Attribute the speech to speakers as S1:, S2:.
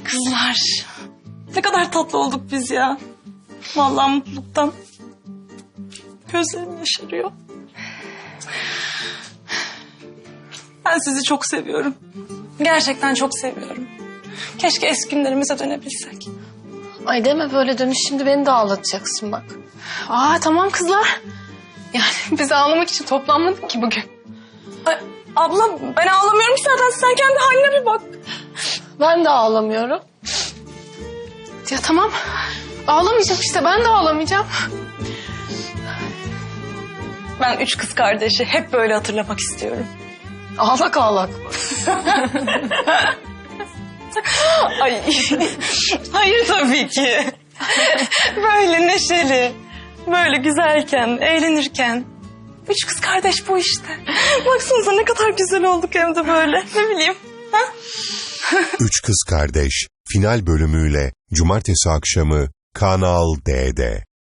S1: Kızlar, ne kadar tatlı olduk biz ya. Vallahi mutluluktan gözlerim yaşarıyor. Ben sizi çok seviyorum. Gerçekten çok seviyorum. Keşke eski günlerimize dönebilsek.
S2: Ay deme böyle, dönüş şimdi beni de ağlatacaksın bak.
S3: Tamam kızlar. Yani biz ağlamak için toplanmadık ki bugün.
S1: Ay, abla ben ağlamıyorum ki zaten. Sen kendi haline bir bak.
S2: Ben de ağlamıyorum.
S3: Ya tamam. Ağlamayacağım işte, ben de ağlamayacağım.
S1: Ben 3 kız kardeşi hep böyle hatırlamak istiyorum.
S2: Ağlak ağlak.
S1: Ay, hayır tabii ki. Böyle neşeli, böyle güzelken, eğlenirken. 3 kız kardeş bu işte. Baksanıza ne kadar güzel olduk hem de böyle. Ne bileyim. Ha?
S4: Üç Kız Kardeş final bölümüyle cumartesi akşamı Kanal D'de.